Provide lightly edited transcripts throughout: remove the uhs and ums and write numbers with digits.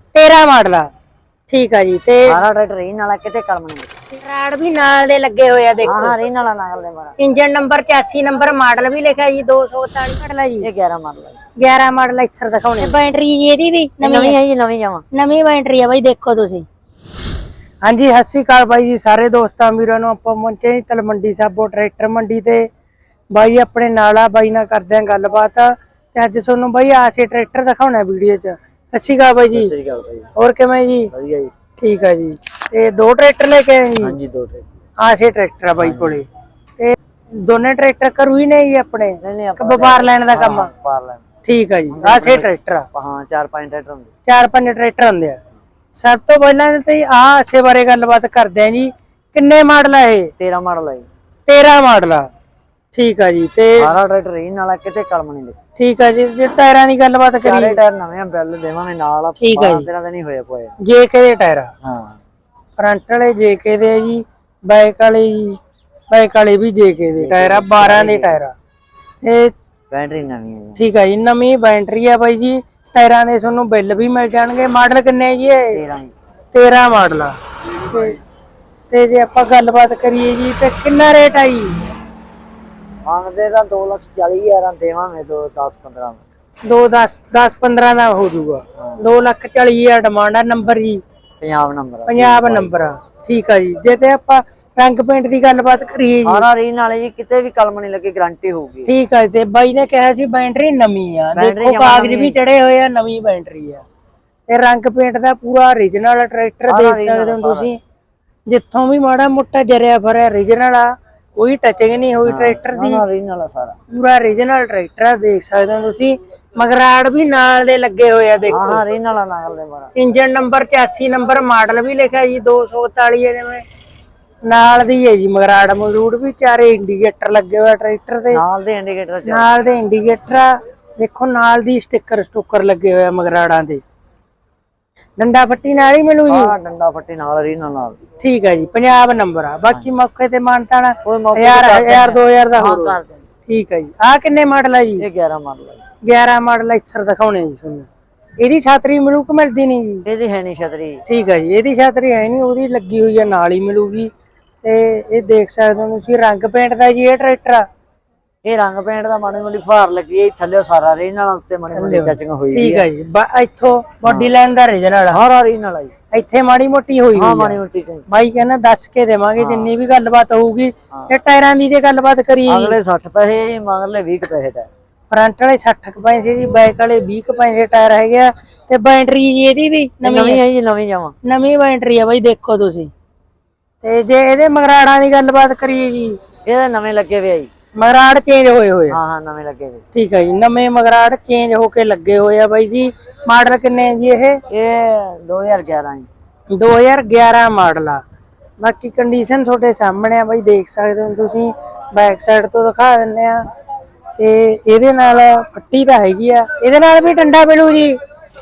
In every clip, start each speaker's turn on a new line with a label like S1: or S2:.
S1: 13 model ਆ। ਠੀਕ ਆ ਜੀ। ਤੇ
S2: ਸਾਰਾ ਟਰੈਕਟਰ ਰੀਨ ਵਾਲਾ, ਕਿਤੇ ਕਲਮ ਨਹੀਂ।
S1: ਰਾੜ ਵੀ ਨਾਲ ਦੇ ਲੱਗੇ ਹੋਏ ਆ ਦੇਖੋ।
S2: ਹਾਂ ਰੀਨ ਵਾਲਾ ਨਾਲ ਦੇ ਮਾਰਾ।
S1: ਇੰਜਨ ਨੰਬਰ 84 ਨੰਬਰ, ਮਾਡਲ ਵੀ ਲਿਖਿਆ ਜੀ 243 ਮਾਡਲ ਆ ਜੀ।
S2: ਇਹ 11 ਮਾਡਲ ਹੈ।
S1: 11 ਮਾਡਲ ਐਕਸਰ ਦਿਖਾਉਣੇ। ਬੈਟਰੀ ਜੀ ਇਹਦੀ ਵੀ
S2: ਨਵੀਂ ਹੈ ਜੀ, ਨਵੀਂ ਜਾਵਾਂ।
S1: ਨਵੀਂ ਬੈਟਰੀ ਆ ਬਾਈ, ਦੇਖੋ ਤੁਸੀਂ। ਹਾਂਜੀ, ਸਤਿ ਸ਼੍ਰੀ ਅਕਾਲ ਬਾਈ ਜੀ ਸਾਰੇ ਦੋਸਤਾਂ ਵੀਰਾਂ ਨੂੰ। ਆਪਾਂ ਪਹੁੰਚੇ ਜੀ ਤਲਮੰਡੀ ਸਾਬੋ ਟਰੈਕਟਰ ਮੰਡੀ ਤੇ। ਬਾਈ ਆਪਣੇ ਨਾਲ ਆ, ਬਾਈ ਨਾਲ ਕਰਦੇ ਆਂ ਗੱਲਬਾਤ। ਤੇ ਅੱਜ ਤੁਹਾਨੂੰ ਬਾਈ ਆਸੇ ਟਰੈਕਟਰ ਦਿਖਾਉਣਾ ਵੀਡੀਓ 'ਚ। ਸਤਿ ਸ਼੍ਰੀ ਅਕਾਲ ਬਾਈ ਜੀ।
S2: ਸਤਿ ਸ਼੍ਰੀ ਅਕਾਲ ਬਾਈ।
S1: ਹੋਰ ਕਿਵੇਂ ਜੀ?
S2: ਵਧੀਆ ਜੀ।
S1: ਠੀਕ ਆ ਜੀ। ਤੇ ਦੋ ਟਰੈਕਟਰ ਲੈ ਕੇ ਆਏ ਜੀ?
S2: ਹਾਂਜੀ, ਦੋ ਟਰੈਕਟਰ
S1: ਆਸੇ ਟਰੈਕਟਰ ਆ ਬਾਈ ਕੋਲੇ। ਤੇ ਦੋਨੇ ਟਰੈਕਟਰ ਕਰੂ ਹੀ ਨੇ ਜੀ ਆਪਣੇ?
S2: ਨਹੀਂ
S1: ਵਪਾਰ ਲੈਣ ਦਾ ਕੰਮ?
S2: ਵਪਾਰ ਲੈਣ।
S1: ਠੀਕ ਆ ਜੀ। ਆਸੇ ਟਰੈਕਟਰ ਆ?
S2: ਹਾਂ, 4-5 ਟਰੈਕਟਰ ਹੁੰਦੇ।
S1: 4-5 ਟਰੈਕਟਰ ਹੁੰਦੇ ਆ। ਸਭ ਤੋਂ ਪਹਿਲਾਂ ਤੇ ਆਸੇ ਬਾਰੇ ਗੱਲਬਾਤ ਕਰਦੇ ਆ ਜੀ। ਕਿੰਨੇ ਮਾਡਲ ਆ ਇਹ?
S2: 13 ਮਾਡਲ ਹੈ ਜੀ।
S1: 13 ਮਾਡਲ ਆ। ਠੀਕ ਆ ਜੀ। ਤੇ
S2: ਸਾਰਾ ਟਰੈਕਟਰ ਰੀਨ ਵਾਲਾ, ਕਿਤੇ ਕਲਮ ਨਹੀਂ ਦੇ।
S1: ਠੀਕ ਆ ਜੀ। ਜੇ ਟਾਇਰਾਂ ਦੀ ਗੱਲਬਾਤ ਕਰੀਏ?
S2: ਸਾਰੇ ਟਾਇਰ ਨਵੇਂ ਆ, ਬਿੱਲ ਦੇਵਾਂਗੇ ਨਾਲ।
S1: ਠੀਕ ਆ ਜੀ।
S2: ਤੇਰਾ ਤਾਂ ਨਹੀਂ ਹੋਇਆ ਪੋਏ।
S1: ਜੇਕੇ ਦੇ ਟਾਇਰ ਆ?
S2: ਹਾਂ।
S1: ਫਰੰਟ ਵਾਲੇ ਜੇਕੇ ਦੇ ਆ ਜੀ, ਬੈਕ ਵਾਲੇ ਵੀ ਜੇਕੇ ਦੇ ਟਾਇਰ ਆ। 12 ਦੇ ਟਾਇਰ ਆ। ਤੇ
S2: ਬੈਟਰੀ ਨਵੀਂ ਹੈ ਜੀ।
S1: ਠੀਕ ਆ ਜੀ। ਨਵੀਂ ਬੈਟਰੀ ਆ ਬਾਈ ਜੀ। ਟਾਇਰਾਂ ਦੇ ਤੁਹਾਨੂੰ ਬਿੱਲ ਵੀ ਮਿਲ ਜਾਣਗੇ। ਮਾਡਲ ਕਿੰਨੇ ਜੀ ਇਹ? 13 ਮਾਡਲ ਆ। ਤੇ ਜੇ ਆਪਾਂ ਗੱਲਬਾਤ ਕਰੀਏ ਜੀ, ਤੇ ਕਿੰਨਾ ਰੇਟ ਆ ਜੀ?
S2: ਮੰਗਦੇ ਤਾਂ 2,40,000 ਦੇਵਾਂਗੇ। 10-15
S1: 10-15 ਦਾ ਹੋ ਜਾਊਗਾ। 2,40,000 ਡਿਮਾਂਡ ਆ। ਨੰਬਰ ਜੀ?
S2: ਪੰਜਾਬ ਨੰਬਰ।
S1: ਪੰਜਾਬ ਨੰਬਰ ਆ। ਠੀਕ ਆ ਜੀ। ਜੇ ਤੇ ਆਪਾਂ ਰੰਗ ਪੇਂਟ ਦੀ ਗੱਲਬਾਤ ਕਰੀਏ ਜੀ?
S2: ਸਾਰਾ ਰੀਨ ਵਾਲੇ ਜੀ, ਕਿਤੇ ਵੀ ਕਲਮ ਨਹੀਂ ਲੱਗੀ, ਗਾਰੰਟੀ ਹੋਊਗੀ।
S1: ਠੀਕ ਆ। ਤੇ ਬਾਈ ਨੇ ਕਿਹਾ ਸੀ ਬੈਟਰੀ ਨਵੀਂ ਆ। ਦੇਖੋ ਕਾਗਜ਼ ਵੀ ਚੜੇ ਹੋਏ ਆ, ਨਵੀਂ ਬੈਟਰੀ ਆ। ਤੇ ਰੰਗ ਪੇਂਟ ਦਾ ਪੂਰਾ ਓਰੀਜਨਲ ਟਰੈਕਟਰ ਦੇਖ ਸਕਦੇ ਹੋ ਤੁਸੀਂ। ਜਿੱਥੋਂ ਵੀ ਮਾੜਾ ਮੋਟਾ ਜਰਿਆ ਫਰਿਆ ਓਰੀਜਨਲ ਆ, ਕੋਈ ਟੱਚਿੰਗ ਨਹੀਂ ਹੋਈ ਟਰੈਕਟਰ ਦੀ।
S2: ਰੀਨ ਵਾਲਾ ਸਾਰਾ
S1: ਪੂਰਾ ਓਰੀਜਨਲ ਟਰੈਕਟਰ ਆ, ਦੇਖ ਸਕਦੇ ਹੋ ਤੁਸੀਂ। ਮਗਰਾੜ ਵੀ ਨਾਲ ਦੇ ਲੱਗੇ ਹੋਏ ਆ ਦੇਖੋ।
S2: ਹਾਂ ਰੀਨ ਵਾਲਾ ਨਾਲ ਦੇ ਮਾਰਾ।
S1: ਇੰਜਨ ਨੰਬਰ 84 ਨੰਬਰ, ਮਾਡਲ ਵੀ ਲਿਖਿਆ ਜੀ 243 ਜਿਵੇਂ ਨਾਲ ਦੀ ਹੈ ਜੀ। ਮਗਰਾੜ ਮਗਰੂੜ ਵੀ ਚਾਰੇ ਇੰਡੀਕੇਟਰ ਲੱਗੇ ਹੋਏ ਟਰੈਕਟਰ ਤੇ।
S2: ਨਾਲ ਦੇ ਇੰਡੀਕੇਟਰ
S1: ਨਾਲ ਦੇ ਇੰਡੀਕੇਟਰ ਆ ਦੇਖੋ। ਨਾਲ ਦੀ ਸਟicker ਲਗੇ ਹੋਏ ਆ ਮਗਰਾੜਾਂ ਦੇ। ਡੰਡਾ ਫੱਟੀ ਨਾਲ ਹੀ ਮਿਲੂ ਜੀ?
S2: ਹਾਂ, ਡੰਡਾ ਫੱਟੀ ਨਾਲ, ਰੀਨ ਨਾਲ।
S1: ਠੀਕ ਹੈ ਜੀ। ਪੰਜਾਬ ਨੰਬਰ ਆ। ਬਾਕੀ ਮੌਕੇ ਤੇ ਮਾਨਤਾ ਨਾ
S2: 1000
S1: 2000 ਦਾ ਹੋਰ ਕਰ ਦੇਣਾ। ਠੀਕ ਹੈ ਜੀ। ਆ ਕਿੰਨੇ ਮਾਡਲ ਆ ਜੀ?
S2: ਇਹ 11 ਮਾਡਲ ਹੈ।
S1: 11 ਮਾਡਲ ਐਕਸਰ ਦਿਖਾਉਣੇ ਜੀ ਤੁਹਾਨੂੰ। ਇਹਦੀ ਛਾਤਰੀ ਮਿਲੂ ਕਿ ਮਿਲਦੀ ਨਹੀਂ ਜੀ?
S2: ਇਹਦੀ ਹੈ ਨਹੀਂ ਛਤਰੀ।
S1: ਠੀਕ ਹੈ ਜੀ। ਇਹਦੀ ਛਾਤਰੀ ਹੈ ਨਹੀਂ, ਉਹਦੀ ਲੱਗੀ ਹੋਈ ਆ, ਨਾਲ ਹੀ ਮਿਲੂਗੀ। ਤੇ ਇਹ ਦੇਖ ਸਕਦੇ ਹੋ ਤੁਸੀਂ। ਰੰਗ ਪੇਂਟ ਦਾ ਜੀ ਇਹ ਟਰੈਕਟਰ ਆ?
S2: ਇਹ ਰੰਗ ਪੇਂਟ ਦਾ ਮਾੜੀ ਮੋਟੀ ਫਾਰ ਲੱਗੀ ਹੈ ਥੱਲੇ, ਸਾਰਾ ਰੀਨ ਨਾਲ। ਉੱਤੇ ਮਾੜੀ ਮੋਟੀ ਟੱਚਿੰਗ ਹੋਈ
S1: ਠੀਕ ਹੈ ਜੀ। ਇੱਥੋਂ ਬਾਡੀ ਲਾਈਨ ਦਾ ਓਰੀਜਨਲ ਆ?
S2: ਸਾਰਾ ਰੀਨ ਵਾਲਾ ਜੀ।
S1: ਇੱਥੇ ਮਾੜੀ ਮੋਟੀ ਹੋਈ
S2: ਹਾਂ, ਮਾੜੀ ਮੋਟੀ।
S1: ਬਾਈ ਕਹਿੰਦਾ ਦੱਸ ਕੇ ਦੇਵਾਂਗੇ ਜਿੰਨੀ ਵੀ ਗੱਲਬਾਤ ਹੋਊਗੀ। ਇਹ ਟਾਇਰਾਂ ਦੀ ਜੇ ਗੱਲਬਾਤ ਕਰੀਏ?
S2: ਅਗਲੇ 60 ਪੈਸੇ ਜੀ, ਮਗਰਲੇ 20 ਪੈਸੇ ਦਾ।
S1: ਫਰੰਟ ਵਾਲੇ 60 ਪੈਸੇ ਜੀ, ਬੈਕ ਵਾਲੇ 20 ਪੈਸੇ ਟਾਇਰ ਹੈਗੇ ਆ। ਤੇ ਬੈਟਰੀ ਜੀ ਇਹਦੀ ਵੀ
S2: ਨਵੀਂ ਹੈ ਜੀ, ਨਵੀਂ ਜਾਵਾਂ।
S1: ਨਵੀਂ ਬੈਟਰੀ ਆ ਬਾਈ, ਦੇਖੋ ਤੁਸੀਂ। ਤੇ ਜੇ ਇਹਦੇ ਮਗਰਾੜਾਂ ਦੀ ਗੱਲਬਾਤ ਕਰੀਏ ਜੀ?
S2: ਇਹਦੇ ਨਵੇਂ ਲੱਗੇ ਹੋਏ ਆ ਜੀ।
S1: ਮਗਰਾੜ ਚੇਂਜ ਹੋਏ ਹੋਏ ਆ?
S2: ਹਾਂ, ਨਵੇਂ ਲੱਗੇ ਹੋਏ।
S1: ਠੀਕ ਹੈ ਜੀ। ਨਵੇਂ ਮਗਰਾੜ ਚੇਂਜ ਹੋ ਕੇ ਲੱਗੇ ਹੋਏ ਆ ਬਾਈ ਜੀ। ਮਾਡਲ ਕਿੰਨੇ ਜੀ ਇਹ?
S2: ਇਹ 2011 ਜੀ।
S1: 2011 ਮਾਡਲ ਆ। ਬਾਕੀ ਕੰਡੀਸ਼ਨ ਤੁਹਾਡੇ ਸਾਹਮਣੇ ਆ ਬਾਈ, ਦੇਖ ਸਕਦੇ ਹੋ ਤੁਸੀਂ। ਬੈਕ ਸਾਈਡ ਤੋਂ ਦਿਖਾ ਦਿੰਦੇ ਆ। ਤੇ ਇਹਦੇ ਨਾਲ ਫੱਟੀ ਤਾਂ ਹੈਗੀ ਆ। ਇਹਦੇ ਨਾਲ ਵੀ ਡੰਡਾ ਮਿਲੂ ਜੀ?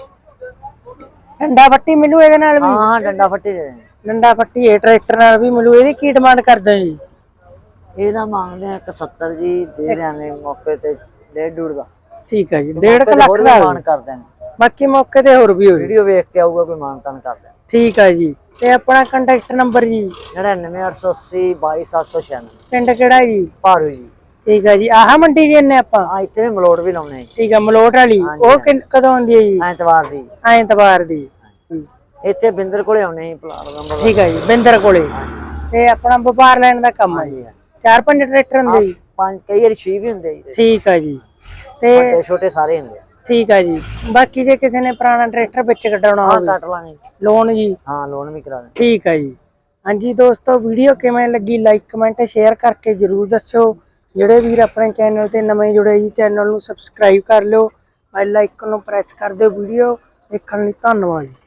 S1: ਡੰਡਾ ਫੱਟੀ ਮਿਲੂ ਇਹਦੇ ਨਾਲ ਵੀ?
S2: ਹਾਂ, ਡੰਡਾ ਫੱਟੀ ਦੇ।
S1: ਡੰਡਾ ਫੱਟੀ ਇਹ ਟਰੈਕਟਰ ਨਾਲ ਵੀ ਮਿਲੂ। ਇਹਦੀ ਕੀ ਡਿਮਾਂਡ ਕਰਦੇ ਜੀ?
S2: ਇਹਦਾ ਮੰਗਦੇ ਆ 71 ਜੀ, ਦੇ ਦਿਆਂਗੇ ਮੌਕੇ ਤੇ 1.5 ਦਾ।
S1: ਠੀਕ ਹੈ ਜੀ। 1.5 ਲੱਖ ਦਾ
S2: ਮਾਨ ਕਰ ਦੇਣਗੇ।
S1: ਬਾਕੀ ਮੌਕੇ ਤੇ ਹੋਰ ਵੀ ਹੋਈ
S2: ਵੀਡੀਓ ਵੇਖ ਕੇ ਆਊਗਾ ਕੋਈ, ਮਾਨਤਾਨ ਕਰ ਦੇਣਗੇ।
S1: ਠੀਕ ਹੈ ਜੀ। ਤੇ ਆਪਣਾ ਕੰਟੈਕਟ ਨੰਬਰ ਜੀ?
S2: 99 880 22796।
S1: ਪਿੰਡ ਕਿਹੜਾ ਜੀ?
S2: ਭਾਰੂ ਜੀ।
S1: ਠੀਕ ਹੈ ਜੀ। ਆਹ ਮੰਡੀ ਜੀ ਨੇ ਆਪਾਂ?
S2: ਹਾਂ, ਇੱਥੇ ਵੀ ਮਲੋਟ ਵੀ ਲਾਉਣੇ।
S1: ਠੀਕ ਹੈ। ਮਲੋਟ ਵਾਲੀ ਉਹ ਕਦੋਂ ਆਉਂਦੀ ਹੈ ਜੀ?
S2: ਐਤਵਾਰ ਦੀ।
S1: ਐਤਵਾਰ ਦੀ।
S2: ਇੱਥੇ ਬਿੰਦਰ ਕੋਲੇ ਆਉਣੇ ਸੀ, ਪਲਾਟ ਨੰਬਰ।
S1: ਠੀਕ ਹੈ ਜੀ। ਬਿੰਦਰ ਕੋਲੇ। ਤੇ ਆਪਣਾ ਵਪਾਰ ਲੈਣ ਦਾ ਕੰਮ ਹੈ ਜੀ? 4-5 ਟਰੈਕਟਰ ਹੁੰਦੇ ਜੀ?
S2: 5 ਕਈ ਵਾਰੀ 6 ਵੀ ਹੁੰਦੇ ਜੀ।
S1: ਠੀਕ ਹੈ ਜੀ। ਤੇ
S2: ਛੋਟੇ ਸਾਰੇ ਹੁੰਦੇ।
S1: ਠੀਕ ਹੈ ਜੀ। ਬਾਕੀ ਜੇ ਕਿਸੇ ਨੇ ਪੁਰਾਣਾ ਟਰੈਕਟਰ ਵਿੱਚ ਕਢਾਉਣਾ ਹੋਵੇ?
S2: ਕੱਟ ਲਾਂਗੇ।
S1: ਲੋਨ ਜੀ?
S2: ਹਾਂ, ਲੋਨ ਵੀ ਕਰਾ ਦੇ।
S1: ਠੀਕ ਹੈ ਜੀ। ਹਾਂਜੀ ਦੋਸਤੋ, ਵੀਡੀਓ ਕਿਵੇਂ ਲੱਗੀ ਲਾਈਕ ਕਮੈਂਟ ਸ਼ੇਅਰ ਕਰਕੇ ਜਰੂਰ ਦੱਸਿਓ। ਜਿਹੜੇ ਵੀਰ ਆਪਣੇ ਚੈਨਲ ਤੇ ਨਵੇਂ ਜੁੜੇ ਜੀ, ਚੈਨਲ ਨੂੰ ਸਬਸਕ੍ਰਾਈਬ ਕਰ ਲਿਓ। ਬੈਲ ਆਈਕਨ ਨੂੰ ਪ੍ਰੈਸ ਕਰ ਦਿਓ। ਵੀਡੀਓ ਦੇਖਣ ਲਈ ਧੰਨਵਾਦ ਜੀ।